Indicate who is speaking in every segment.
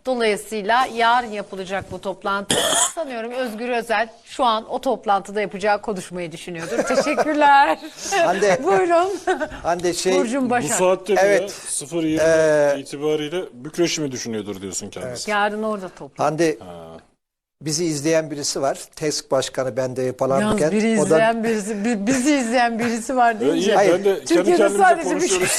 Speaker 1: Dolayısıyla yarın yapılacak bu toplantı. Sanıyorum Özgür Özel şu an o toplantıda yapacağı konuşmayı düşünüyordur. Teşekkürler.
Speaker 2: Hande.
Speaker 1: Buyurun.
Speaker 2: Hande
Speaker 1: Burcun
Speaker 3: Bu
Speaker 1: Başak.
Speaker 3: saatte
Speaker 2: Evet.
Speaker 3: 0.20 itibariyle Bükreş'i mi düşünüyordur diyorsun kendisi.
Speaker 1: Yarın orada toplantı.
Speaker 2: Hande, bizi izleyen birisi var. TESK Başkanı ben de
Speaker 1: Yalnız
Speaker 2: yapılanırken.
Speaker 1: biri izleyen birisi, bizi izleyen birisi var
Speaker 3: İyi,
Speaker 1: deyince.
Speaker 3: ben de kendi
Speaker 1: Türkiye'de
Speaker 3: kendimize
Speaker 1: sadece bir
Speaker 3: konuşuyoruz.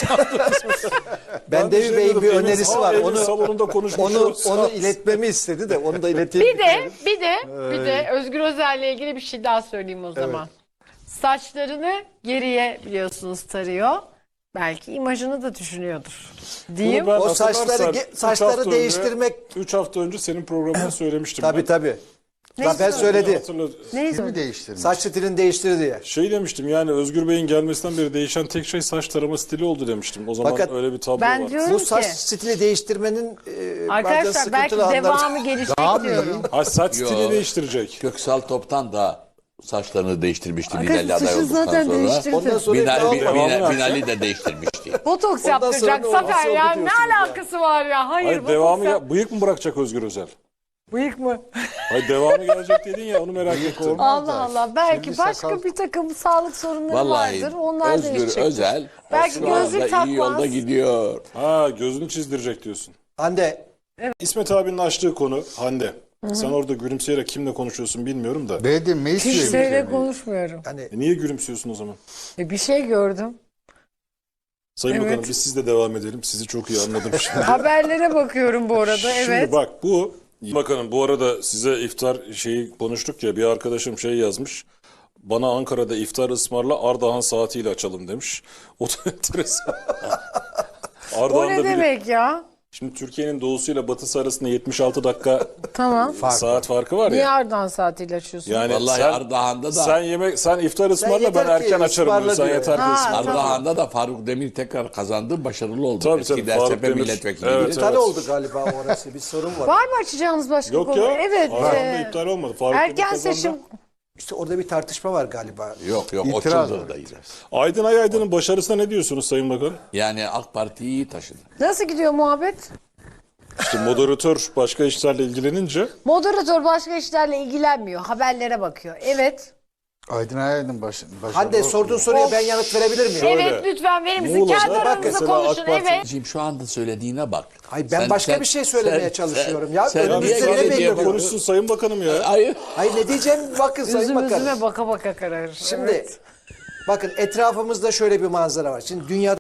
Speaker 2: Bende Bey'in bir önerisi var.
Speaker 3: Onu salonunda konuşmuşuz.
Speaker 2: Onu iletmemi istedi de onu da ileteyim.
Speaker 1: Bir de Özgür Özel'le ilgili bir şey daha söyleyeyim o zaman. Saçlarını geriye biliyorsunuz tarıyor. Belki imajını da düşünüyordur. Diyeyim.
Speaker 3: Bunu ben
Speaker 2: O
Speaker 3: hatırlarsan
Speaker 2: saçları değiştirmek.
Speaker 3: 3 hafta önce senin programında söylemiştim.
Speaker 2: Tabii tabii. Zafer
Speaker 1: söyledi?
Speaker 2: söyledi.
Speaker 1: Neyse.
Speaker 4: Kimi değiştirmiş?
Speaker 2: Saç stilini değiştir diye.
Speaker 3: Şey demiştim yani Özgür Bey'in gelmesinden beri değişen tek şey saç tarama stili oldu demiştim. O zaman
Speaker 2: Fakat
Speaker 3: öyle bir tablo
Speaker 1: ben
Speaker 3: var.
Speaker 1: diyorum
Speaker 2: Bu
Speaker 1: ki
Speaker 2: saç stili değiştirmenin bazen
Speaker 1: arkadaşlar belki
Speaker 2: sıkıntılı anları.
Speaker 1: devamı gelecek diyorum.
Speaker 3: Ha, saç
Speaker 4: Yo.
Speaker 3: stili değiştirecek.
Speaker 4: Köksal Top'tan da saçlarını değiştirmişti
Speaker 1: Arkadaşlar
Speaker 4: Binali aday
Speaker 1: saçı
Speaker 4: olduktan
Speaker 1: zaten
Speaker 4: sonra.
Speaker 1: değiştirdi.
Speaker 2: Ondan sonra
Speaker 4: Binali de değiştirmişti.
Speaker 1: Botoks
Speaker 2: Ondan
Speaker 1: yaptıracak
Speaker 2: sonra
Speaker 1: Zafer
Speaker 2: nasıl
Speaker 1: ya
Speaker 2: oldu
Speaker 1: ne
Speaker 2: diyorsunuz ya?
Speaker 1: alakası var ya? Hayır,
Speaker 3: Hayır
Speaker 1: botoks
Speaker 3: devamı
Speaker 1: yap-
Speaker 3: bıyık mı bırakacak Özgür Özel?
Speaker 1: Bıyık mı?
Speaker 3: Hayır devamı gelecek dedin ya onu merak ettim.
Speaker 1: Allah Allah. Belki
Speaker 4: Şimdi
Speaker 1: başka
Speaker 4: sakal-
Speaker 1: bir takım sağlık sorunları
Speaker 4: Vallahi
Speaker 1: vardır. Onlar
Speaker 4: Özgür
Speaker 1: değişecek.
Speaker 4: Özel
Speaker 1: Belki
Speaker 4: şu anda
Speaker 1: gözlük
Speaker 4: iyi yolda
Speaker 1: takmaz.
Speaker 4: gidiyor.
Speaker 3: Ha gözünü çizdirecek diyorsun.
Speaker 2: Hande,
Speaker 3: İsmet abinin açtığı konu Hande. Sen orada gülümseyerek kimle konuşuyorsun bilmiyorum da.
Speaker 4: Beğendin mi?
Speaker 1: Kimseyle konuşmuyorum.
Speaker 2: hani
Speaker 3: Niye gülümsüyorsun o zaman?
Speaker 1: Bir şey gördüm.
Speaker 3: Sayın
Speaker 1: Evet.
Speaker 3: Bakanım biz sizle devam edelim. Sizi çok iyi anladım şimdi.
Speaker 1: Haberlere bakıyorum bu arada.
Speaker 3: Şimdi
Speaker 1: Evet.
Speaker 3: bak bu bakanım bu arada size iftar şeyi konuştuk ya bir arkadaşım şey yazmış. Bana Ankara'da iftar ısmarla Ardahan saatiyle açalım demiş. O da enteresan.
Speaker 1: O
Speaker 3: Ardahan'da
Speaker 1: ne demek ya?
Speaker 3: Şimdi Türkiye'nin doğusuyla batısı arasında 76 dakika
Speaker 1: Tamam.
Speaker 3: saat farkı var
Speaker 1: Niye
Speaker 3: ya.
Speaker 1: Ardahan saatiyle açıyorsun?
Speaker 3: Yani
Speaker 4: Vallahi Ardahan'da da
Speaker 3: sen iftar ısmarla ben
Speaker 2: yeter ki
Speaker 3: erken açarım
Speaker 2: ısmarla
Speaker 3: diyor. Sen
Speaker 2: diyor.
Speaker 3: yeter ki
Speaker 1: Ha,
Speaker 3: ısmarla.
Speaker 4: Ardahan'da da Faruk Demir tekrar kazandı. Başarılı oldu.
Speaker 3: Tabii,
Speaker 4: Eski
Speaker 3: tabii, Faruk
Speaker 4: DSP
Speaker 3: Demir.
Speaker 4: milletvekiliydi.
Speaker 3: Evet,
Speaker 2: bir tane oldu galiba orası. Bir sorun var.
Speaker 1: Var mı açacağınız başka
Speaker 3: Yok
Speaker 1: konu?
Speaker 3: ya.
Speaker 1: Evet.
Speaker 3: Ardahan'da iptal olmadı. Faruk Demir
Speaker 1: Erken
Speaker 3: kazandı.
Speaker 1: seçim.
Speaker 2: İşte orada bir tartışma var galiba.
Speaker 4: Yok o Çıldır'daydı.
Speaker 3: Aydın Ayaydın'ın başarısına ne diyorsunuz Sayın Bakan?
Speaker 4: Yani AK Parti'yi iyi taşıdı.
Speaker 1: Nasıl gidiyor muhabbet?
Speaker 3: İşte moderatör başka işlerle ilgilenince
Speaker 1: Moderatör başka işlerle ilgilenmiyor. Haberlere bakıyor. Evet.
Speaker 5: Aydın Ayaydın başında.
Speaker 2: Hande sorduğun soruya ben yanıt verebilir miyim?
Speaker 1: Evet lütfen verir misin?
Speaker 3: Muğla'da
Speaker 1: Kendi
Speaker 3: bak
Speaker 1: aranızda
Speaker 3: mesela AK
Speaker 1: konuşun.
Speaker 3: Parti-
Speaker 1: Evet.
Speaker 4: Şimdi şu anda söylediğine bak.
Speaker 2: Hayır, ben başka bir şey söylemeye çalışıyorum ya. Önümüzde
Speaker 4: niye
Speaker 2: ne
Speaker 4: gene
Speaker 2: belli
Speaker 4: diye
Speaker 3: konuşsun Sayın Bakanım ya.
Speaker 4: Hayır.
Speaker 2: Hayır, ne diyeceğim bakın Sayın
Speaker 1: Üzüm
Speaker 2: Bakan.
Speaker 1: üzüme baka baka kararır.
Speaker 2: Şimdi
Speaker 1: Evet.
Speaker 2: bakın etrafımızda şöyle bir manzara var. Şimdi dünyada